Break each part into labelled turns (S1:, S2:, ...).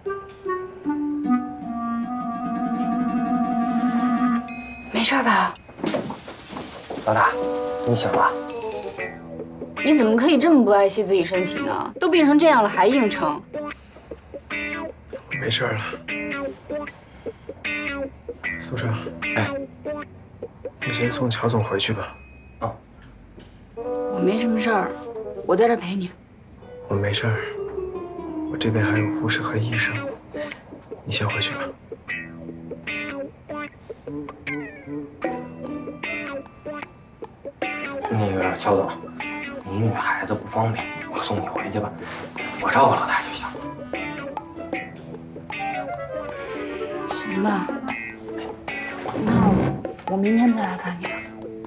S1: 没事吧？
S2: 老大，你醒了？
S1: 你怎么可以这么不爱惜自己身体呢？都病成这样了还硬撑。
S3: 没事了。苏少，
S2: 哎，
S3: 你先送乔总回去吧。
S2: 哦，
S1: 我没什么事儿，我在这儿陪你。
S3: 我没事儿，我这边还有护士和医生。你先回去吧。
S2: 那个乔总，你女孩子不方便，我送你回去吧，我照顾老大就行。
S1: 行吧，那我明天再来看你吧。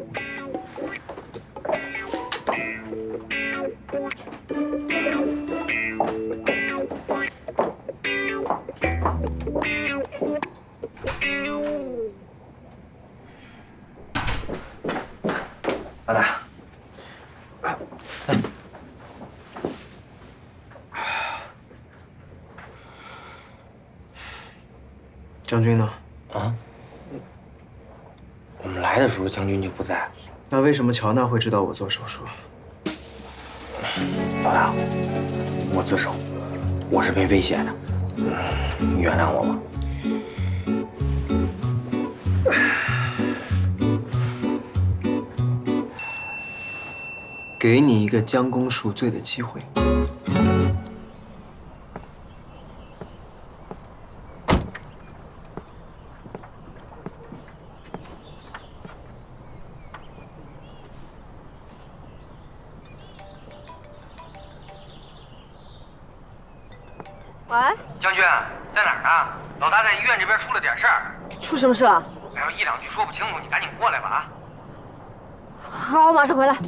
S2: 老大，来，
S3: 将军呢？
S2: 啊，我们来的时候将军就不在。
S3: 那为什么乔娜会知道我做手术？
S2: 老大，我自首，我是被威胁的，你原谅我吧。
S3: 给你一个将功赎罪的机会。
S4: 喂，
S2: 将军在哪儿呢？老大在医院这边出了点事儿。
S4: 出什么事了？
S2: 哎呦，一两句说不清楚，你赶紧过来吧啊！
S4: 好，我马上回来。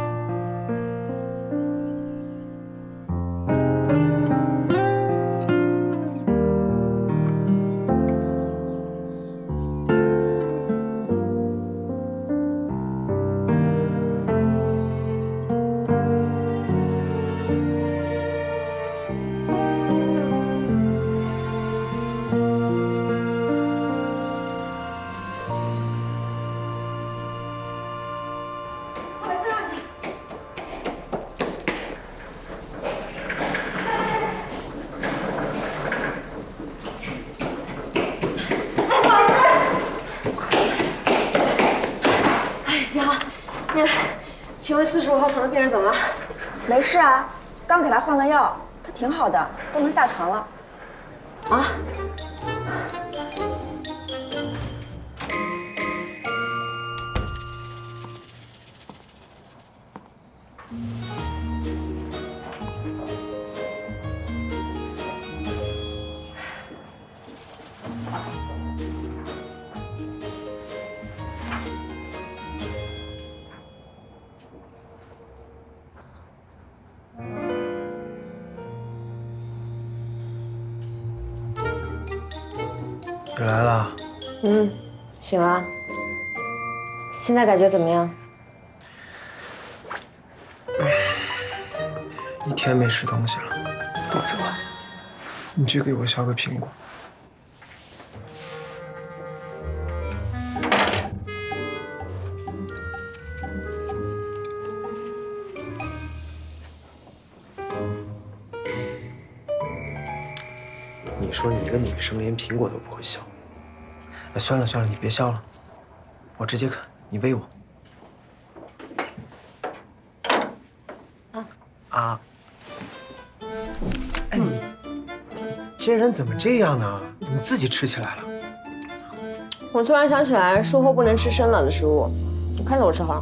S4: 请问45号床的病人怎么了？
S5: 没事啊，刚给他换了药，他挺好的，都能下床了。
S4: 啊？
S3: 你来了。
S4: 醒了。现在感觉怎么样？
S3: 一天没吃东西了，肚子饿。你去给我削个苹果。你说你一个女生连苹果都不会削，哎，算了算了，你别削了，我直接啃，你喂我。啊！哎你这人怎么这样呢？怎么自己吃起来了？
S4: 我突然想起来，术后不能吃生冷的食物，你看着我吃好了。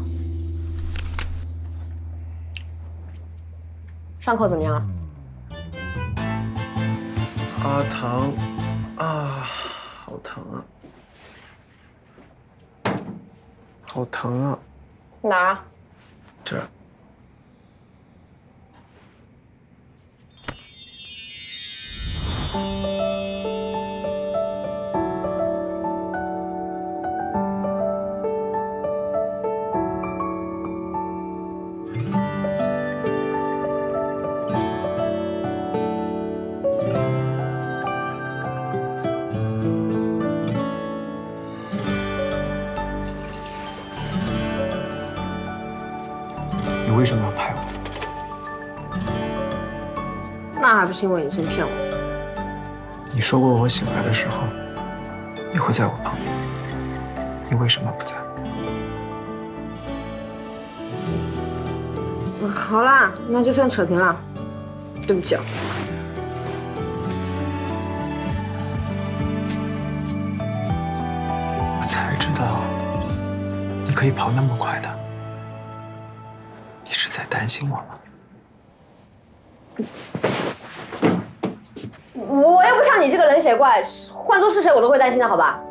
S4: 伤口怎么样了？
S3: 啊，疼啊，好疼啊，好疼啊！
S4: 哪儿啊？
S3: 这儿。
S4: 那还不是因为你先骗我？
S3: 你说过我醒来的时候，你会在我旁边，你为什么不在？
S4: 好啦，那就算扯平了，对不起啊。
S3: 我才知道你可以跑那么快的，你是在担心我吗？
S4: 我又不像你这个冷血怪，换做是谁我都会担心的，好吧？